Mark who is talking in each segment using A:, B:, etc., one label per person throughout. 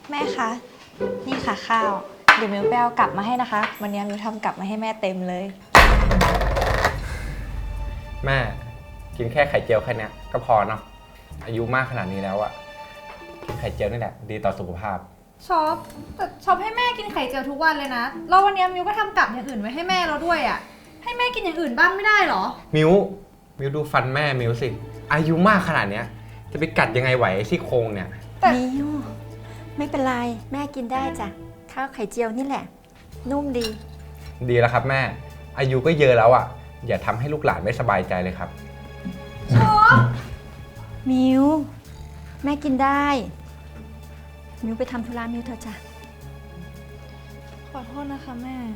A: แม่คะ นี่ค่ะข้าว เดี๋ยวมิวไปเอากลับมาให้นะคะ วันนี้มิวทำกลับมาให้แม่เต็มเลย
B: แม่กินแค่ไข่เจียวแค่นี้ก็พอเนาะอายุมากขนาดนี้แล้วอะกินไข่เจียวนี่แหละดีต่อสุขภาพ
C: ช็อปแต่ช็อปให้แม่กินไข่เจียวทุกวันเลยนะแล้ววันนี้มิวก็ทำกับอย่างอื่นไว้ให้แม่เราด้วยอ่ะให้แม่กินอย่างอื่นบ้างไม่ได้หรอ
B: มิวดูฟันแม่มิวสิอายุมากขนาดเนี้ยจะไปกัดยังไงไหวซี่โครงเนี่ย
D: มิวไม่เป็นไรแม่กินได้จ้ะข้าวไข่เจียวนี่แหละ นุ่มดี
B: ดีแล้วครับแม่อายุก็เยอะแล้วอะอย่าทำให้ลูกหลานไม่สบายใจเลยครับ
C: ช็อป
D: มิวแม่กินได้มิวไปทำธุระมิวเถอะจ้ะ
A: ขอโทษนะคะแม่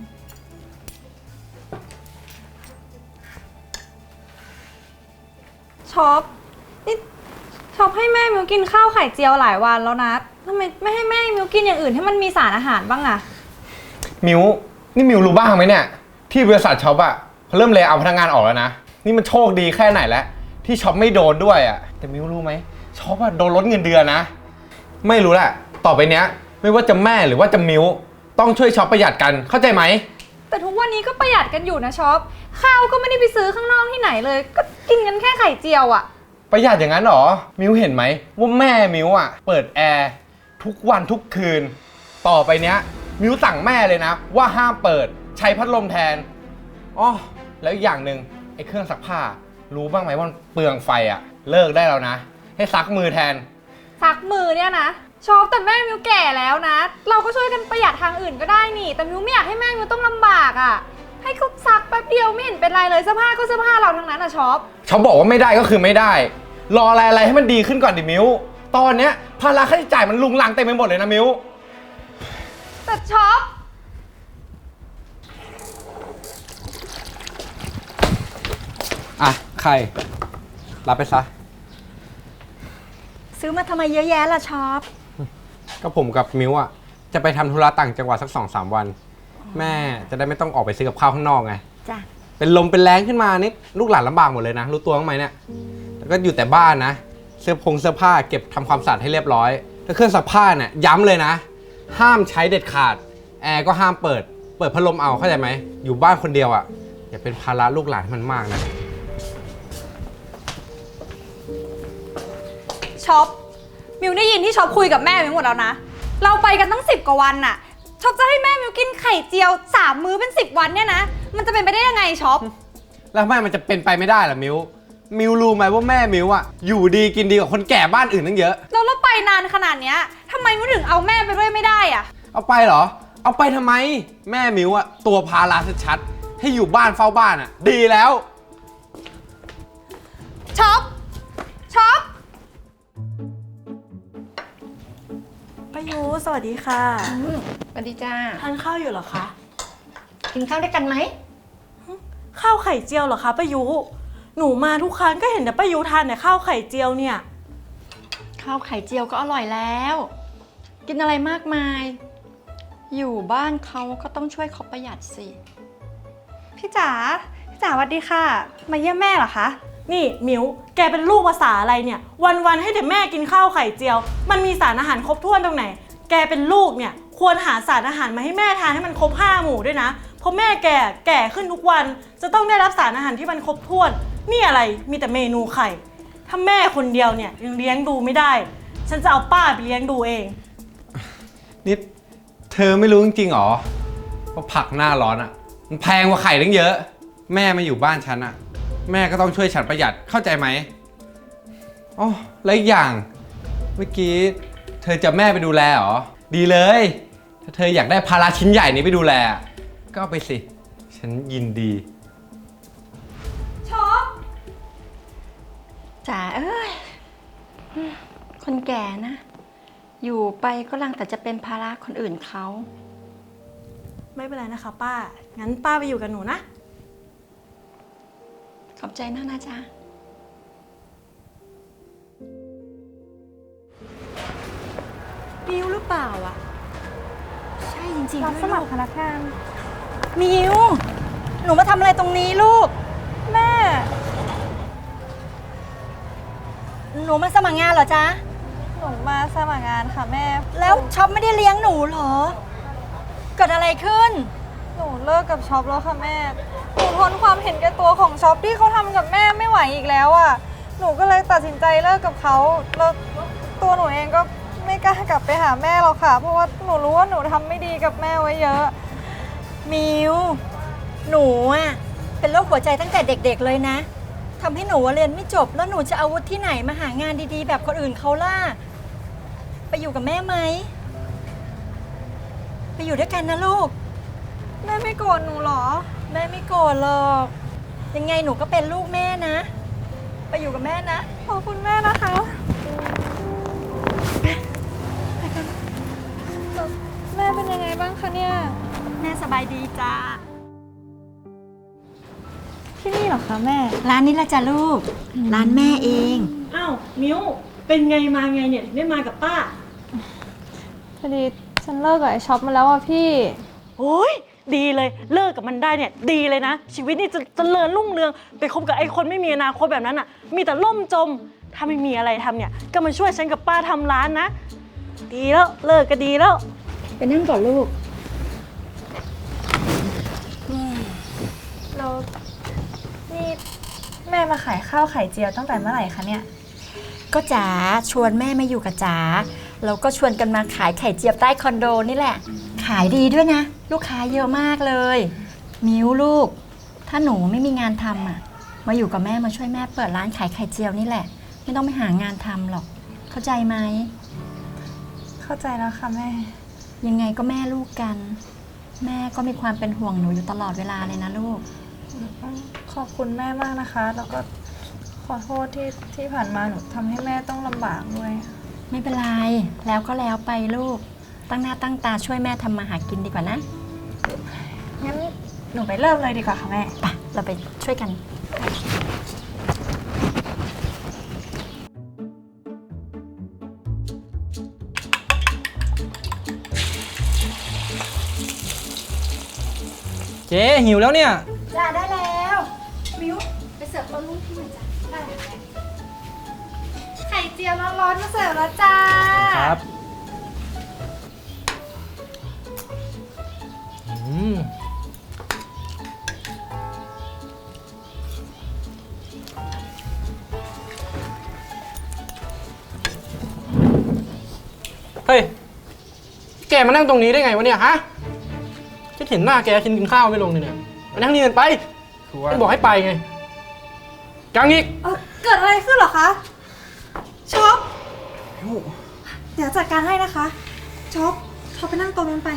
A: ช็อปนี่ช็อปให้แม่มิวกินข้าวไข่เจียวหลายวันแล้วนะทำไมไม่ให้แม่มิวกินอย่างอื่นให้มันมีสารอาหารบ้างอะ
B: มิวนี่มิวรู้บ้างไหมเนี่ยที่บริษัทช็อปอะเขาเริ่มเลย์เอาพนักงานออกแล้วนะนี่มันโชคดีแค่ไหนแล้วที่ช็อปไม่โดนด้วยอะแต่มิวรู้ไหมช็อปอะโดนลดเงินเดือนนะไม่รู้แหละต่อไปเนี้ยไม่ว่าจะแม่หรือว่าจะมิวต้องช่วยช็อปประหยัดกันเข้าใจไหม
C: แต่ทุกวันนี้ก็ประหยัดกันอยู่นะช็อปข้าวก็ไม่ได้ไปซื้อข้างนอกที่ไหนเลยก็กินกันแค่ไข่เจียวอะ
B: ประหยัดอย่างนั้นหรอมิวเห็นไหมว่าแม่มิวอะเปิดแอร์ทุกวันทุกคืนต่อไปเนี้ยมิวสั่งแม่เลยนะว่าห้ามเปิดใช้พัดลมแทนอ๋อแล้วอีกอย่างหนึ่งไอ้เครื่องซักผ้ารู้บ้างไหมว่าเปลืองไฟอะเลิกได้แล้วนะให้ซักมือแทน
C: ซักมือเนี่ยนะช็อปแต่แม่มิวแก่แล้วนะเราก็ช่วยกันประหยัดทางอื่นก็ได้นี่แต่มิวไม่อยากให้แม่มิวต้องลำบากอ่ะให้เขาซักแป๊บเดียวไม่เห็นเป็นไรเลยเสื้อผ้าก็เสื้อผ้าเราทั้งนั้นอ่ะช็อป
B: เขาบอกว่าไม่ได้ก็คือไม่ได้รออะไรให้มันดีขึ้นก่อนดิมิวตอนเนี้ยภาระค่าใช้จ่ายมันลุงลังเต็มไปหมดเลยนะมิว
C: แต่ช็อป
B: อ่ะใครรับไปซะ
D: ซื้อมาทำไมเยอะแยะล่ะช็อป
B: ก็ผมกับมิวอ่ะจะไปทำธุระต่างจังหวัดสัก 2-3 วันแม่จะได้ไม่ต้องออกไปซื้อกับข้าวข้างนอกไง
D: จ้ะ
B: เป็นลมเป็นแรงขึ้นมานี่ลูกหลานลำบากหมดเลยนะรู้ตัวบ้างไหมเนี่ยแล้วก็อยู่แต่บ้านนะเสื้อผ้าเก็บทำความสะอาดให้เรียบร้อยแล้วเครื่องซักผ้าเนี่ยย้ำเลยนะห้ามใช้เด็ดขาดแอร์ก็ห้ามเปิดพัดลมเอาเข้าใจไหมอยู่บ้านคนเดียวอ่ะอย่าเป็นภาระลูกหลานมันมากนะ
C: ช็อปมิวได้ยินที่ช็อปคุยกับแม่มิวหมดแล้วนะเราไปกันตั้ง10 กว่าวันน่ะช็อปจะให้แม่มิวกินไข่เจียว3 มื้อเป็น10 วันเนี่ยนะมันจะเป็นไปได้ยังไงช็อป
B: แล้วแม่มันจะเป็นไปไม่ได้เหรอมิวรู้ไหมว่าแม่มิวอ่ะอยู่ดีกินดีกว่าคนแก่บ้านอื่นตั้งเยอะ
C: เราไปนานขนาดเนี้ยทำไมมิวถึงเอาแม่ไปด้วยไม่ได้อ่ะ
B: เอาไปเหรอเอาไปทำไมแม่มิวอ่ะตัวภาระชัดๆให้อยู่บ้านเฝ้าบ้านอ่ะดีแล้ว
C: ช็อป
A: ป้ายูสวัสดีค่ะ
D: สวัสดีจ้า
A: ทานข้าวอยู่เหรอคะ
D: กินข้าวด้วยกันไหม
A: ข้าวไข่เจียวเหรอคะป้ายูหนูมาทุกครั้งก็เห็นแต่ป้ายูทานแต่ข้าวไข่เจียวเนี่ย
D: ข้าวไข่เจียวก็อร่อยแล้วกินอะไรมากมายอยู่บ้านเขาก็ต้องช่วยเขาประหยัดสิ
C: พี่จ๋าสวัสดีค่ะมาเยี่ยมแม่เหรอคะ
A: นี่มิวแกเป็นลูกภาษาอะไรเนี่ยวันๆให้แต่แม่กินข้าวไข่เจียวมันมีสารอาหารครบถ้วนตรงไหนแกเป็นลูกเนี่ยควรหาสารอาหารมาให้แม่ทานให้มันครบ5 หมู่ด้วยนะเพราะแม่แก่ขึ้นทุกวันจะต้องได้รับสารอาหารที่มันครบถ้วนนี่อะไรมีแต่เมนูไข่ถ้าแม่คนเดียวเนี่ยยังเลี้ยงดูไม่ได้ฉันจะเอาป้าไปเลี้ยงดูเอง
B: นี่เธอไม่รู้จริงๆหรอว่าผักหน้าร้อนอ่ะมันแพงกว่าไข่ตั้งเยอะแม่มาอยู่บ้านฉันอ่ะแม่ก็ต้องช่วยฉันประหยัดเข้าใจไหมอ๋อแล้วอีกอย่างเมื่อกี้เธอจะแม่ไปดูแลเหรอดีเลยถ้าเธออยากได้ภาระชิ้นใหญ่นี้ไปดูแลก็เอาไปสิฉันยินดี
C: ช็อป
D: จ๋าเอ้ยคนแก่นะอยู่ไปก็ลังแต่จะเป็นภาระคนอื่นเขา
A: ไม่เป็นไรนะคะป้างั้นป้าไปอยู่กับหนูนะ
D: ขอบใจมากนะจ๊ะ
A: มิวหรือเปล่าอ่ะใช่จริงๆ
C: รับสมัครพนักงาน
D: มิวหนูมาทำอะไรตรงนี้ลูก
C: แม่
D: หนูมาสมัครงานเหรอจ๊ะ
C: หนูมาสมัครงานค่ะแม่
D: แล้วช็อปไม่ได้เลี้ยงหนูเหรอ เกิดอะไรขึ้น
C: หนูเลิกกับช็อปแล้วค่ะแม่ หนูทนความเห็นแก่ตัวของช็อปที่เขาทำกับแม่ไม่ไหวอีกแล้วอ่ะ หนูก็เลยตัดสินใจเลิกกับเขาแล้วตัวหนูเองก็ไม่กล้ากลับไปหาแม่หรอกค่ะ เพราะว่าหนูรู้ว่าหนูทำไม่ดีกับแม่ไว้เยอะ
D: มิว หนูอะเป็นโรคหัวใจตั้งแต่เด็กๆเลยนะทำให้หนูเรียนไม่จบ แล้วหนูจะเอาวุฒิที่ไหนมาหางานดีๆ แบบคนอื่นเขาล่ะ ไปอยู่กับแม่ไหม ไปอยู่ด้วยกันนะลูก
C: แม่ไม่โกรธหนูเหรอ
D: แม่ไม่โกรธหรอก ยังไงหนูก็เป็นลูกแม่นะ ไปอยู่กับแม่นะ
C: ขอบคุณแม่นะคะแม่เป็นยังไงบ้างคะเนี่ย
D: แม่สบายดีจ้า
C: ที่นี่เหรอคะแม่
D: ร้านนี้ละจ้ะลูก ร้านแม่เอง
A: อ้าวมิวเป็นไงมาไงเนี่ยถึงได้มากับป้า
C: พอดีฉันเลิกกับไอ้ช็อปมาแล้วอ่ะพี่
A: โอ้ยดีเลยเลิกกับมันได้เนี่ยดีเลยนะ ชีวิตนี่จะเจริญรุ่งเรืองไปคบกับไอ้คนไม่มีอนาคตแบบนั้นอ่ะ มีแต่ล่มจม ถ้าไม่มีอะไรทำเนี่ยก็มาช่วยฉันกับป้าทำร้านนะ ดีแล้วเลิกก็ดีแล้ว
D: ไปนั่งก่อนลูก
C: เรานี่แม่มาขายข้าวไข่เจียวตั้งแต่เมื่อไหร่คะเนี่ย
D: ก็จ๋าชวนแม่มาอยู่กับจ๋าแล้วก็ชวนกันมาขายไข่เจียวใต้คอนโดนี่แหละ ขายดีด้วยนะ ลูกค้าเยอะมากเลย มิวลูก ถ้าหนูไม่มีงานทำอ่ะ มาอยู่กับแม่มาช่วยแม่เปิดร้านขายไข่เจียวนี่แหละ ไม่ต้องไปหางานทำหรอก เข้าใจไหม
C: เข้าใจแล้วค่ะแม่
D: ยังไงก็แม่ลูกกัน แม่ก็มีความเป็นห่วงหนูอยู่ตลอดเวลาเลยนะลูก
C: ขอบคุณแม่มากนะคะ แล้วก็ขอโทษที่ผ่านมาหนูทำให้แม่ต้องลำบากด้วย
D: ไม่เป็นไร แล้วก็แล้วไปลูก ตั้งหน้าตั้งตาช่วยแม่ทำมาหากินดีกว่านะ
C: งั้นหนูไปเริ่มเลยดีกว่าค่ะแม่
D: ไปเราไปช่วยกัน
E: เจ๊หิวแล้วเนี่ย
D: จ้าได้แล้ว มิวไปเสิร์ฟต้นลูกที่หน่อยจ้ะได้แม่
C: ไข่เจียวร้อนๆมาเสิร์ฟแล้วจ้า
E: ครับ เฮ้ย แกมานั่งตรงนี้ได้ไงวะเนี่ยฮะฉันเห็นหน้าแกกินข้าวไม่ลงเลยเนี่ยมานั่งนี่กันไป
B: คือว่า
E: ไม่บอกให้ไปไงกังอีก
C: เกิดอะไรขึ้นเหรอคะ ช็อป เดี๋ยวจัดการให้นะคะ ช็อปไปนั่งตรงนั้นไป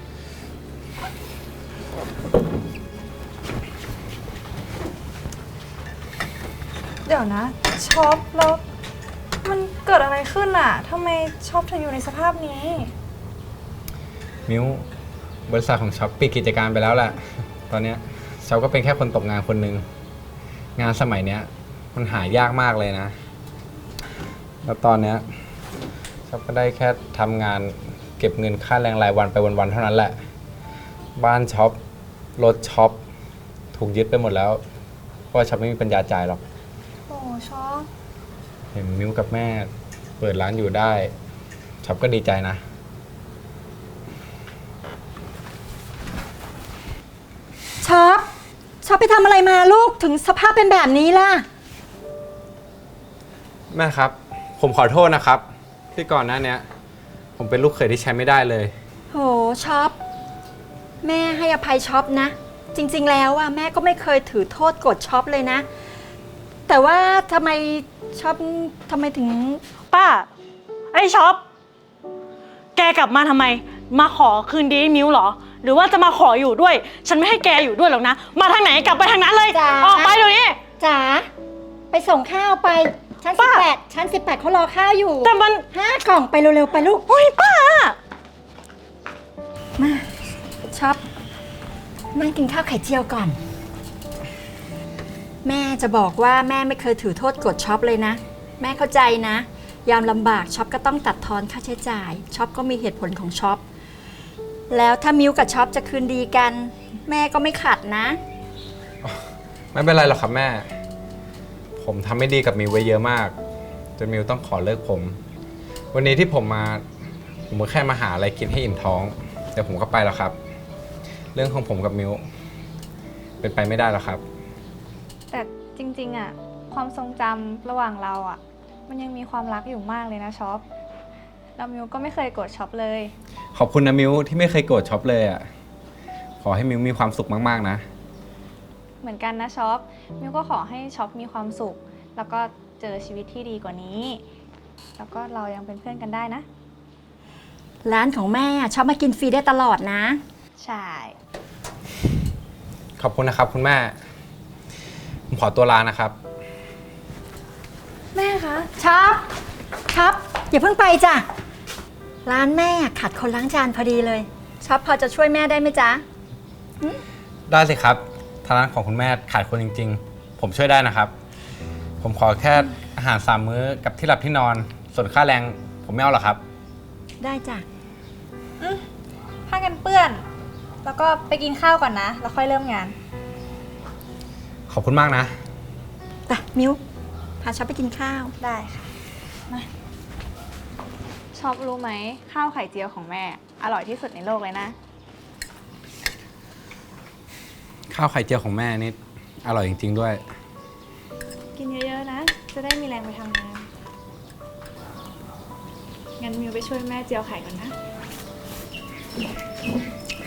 C: เดี๋ยวนะ ช็อปแล้วมันเกิดอะไรขึ้นอ่ะทำไมช็อปถึงอยู่ในสภาพนี้
B: มิวบริษัทของช็อปปิดกิจการไปแล้วแหละ ตอนเนี้ยช็อปก็เป็นแค่คนตกงานคนหนึ่งงานสมัยเนี้ยมันหายากมากเลยนะ แล้วตอนเนี้ยช็อปก็ได้แค่ทำงานเก็บเงินค่าแรงรายวันไปวันๆเท่านั้นแหละ บ้านช็อปรถช็อปถูกยึดไปหมดแล้วเพราะว่าช็อปไม่มีปัญญาจ่ายหรอก
C: โอ้ช็อป
B: เห็นมิวกับแม่เปิดร้านอยู่ได้ช็อปก็ดีใจนะ
D: ช็อปไปทำอะไรมาลูกถึงสภาพเป็นแบบนี้ล่ะ
B: แม่ครับ ผมขอโทษนะครับ ที่ก่อนหน้าเนี้ยผมเป็นลูกเขยที่ใช้ไม่ได้เลย
D: โหช็อปแม่ให้อภัยช็อปนะ จริงๆแล้วอะแม่ก็ไม่เคยถือโทษโกรธช็อปเลยนะ แต่ว่าทำไมช็อปทำไมถึง
A: ป้า ไอ้ช็อป แกกลับมาทำไม มาขอคืนดีให้มิวเหรอ หรือว่าจะมาขออยู่ด้วย ฉันไม่ให้แกอยู่ด้วยหรอกนะ มาทางไหนกลับไปทางนั้นเลย
D: จ้า
A: ออกไปเดี๋ยวนี้
D: จ๋าไปส่งข้าวไปชั้น
A: ป้า
D: 18ชั้น18เขารอข้าวอยู่
A: แต่มัน
D: 5 กล่องไปเร็วๆไปลูก
A: โอ้ยป้า
D: มาช็อปนั่งกินข้าวไข่เจียวก่อน แม่จะบอกว่าแม่ไม่เคยถือโทษโกรธช็อปเลยนะ แม่เข้าใจนะ ยามลำบากช็อปก็ต้องตัดทอนค่าใช้จ่ายช็อปก็มีเหตุผลของช็อปแล้วถ้ามิวกับช็อปจะคืนดีกัน แม่ก็ไม่ขัดนะ
B: ไม่เป็นไรหรอกครับแม่ ผมทำไม่ดีกับมิวไว้เยอะมากจนมิวต้องขอเลิกผมวันนี้ที่ผมก็แค่มาหาอะไรกินให้อิ่มท้องเดี๋ยวผมก็ไปแล้วครับ เรื่องของผมกับมิวเป็นไปไม่ได้แล้วครับ
C: แต่จริงๆอะความทรงจำระหว่างเราอะมันยังมีความรักอยู่มากเลยนะช็อปแล้วมิวก็ไม่เคยโกรธช็อปเลย
B: ขอบคุณนะมิวที่ไม่เคยโกรธช็อปเลยอ่ะขอให้มิวมีความสุขมากๆนะ
C: เหมือนกันนะช็อปมิวก็ขอให้ช็อปมีความสุข แล้วก็เจอชีวิตที่ดีกว่านี้ แล้วก็เรายังเป็นเพื่อนกันได้นะ
D: ร้านของแม่ชอบมากินฟรีได้ตลอดนะ
C: ใช่
B: ขอบคุณนะครับคุณแม่ ผมขอตัวลานะครับ
C: แม่คะ
D: ช็อปอย่าเพิ่งไปจ้ะ ร้านแม่ขาดคนล้างจานพอดีเลยช็อปพอจะช่วยแม่ได้ไหมจ๊ะ
B: ได้สิครับทางร้านของคุณแม่ขาดคนจริงๆ ผมช่วยได้นะครับ ผมขอแค่อาหาร3 มื้อกับที่หลับที่นอน ส่วนค่าแรงผมไม่เอาหรอกครับ
D: ได้จ้ะ
C: ผ้ากันเปื้อน แล้วก็ไปกินข้าวก่อนนะ แล้วค่อยเริ่มงาน
B: ขอบคุณมากนะ
D: ไปมิวพาช็อปไปกินข้าว
C: ได้ค่ะมาช็อปรู้ไหมข้าวไข่เจียวของแม่ อร่อยที่สุดในโลกเลยนะ
B: ข้าวไข่เจียวของแม่นี่อร่อยจริงๆด้วย
C: กินเยอะๆนะ จะได้มีแรงไปทำงาน งั้นมิวไปช่วยแม่เจียวไข่ก่อนนะ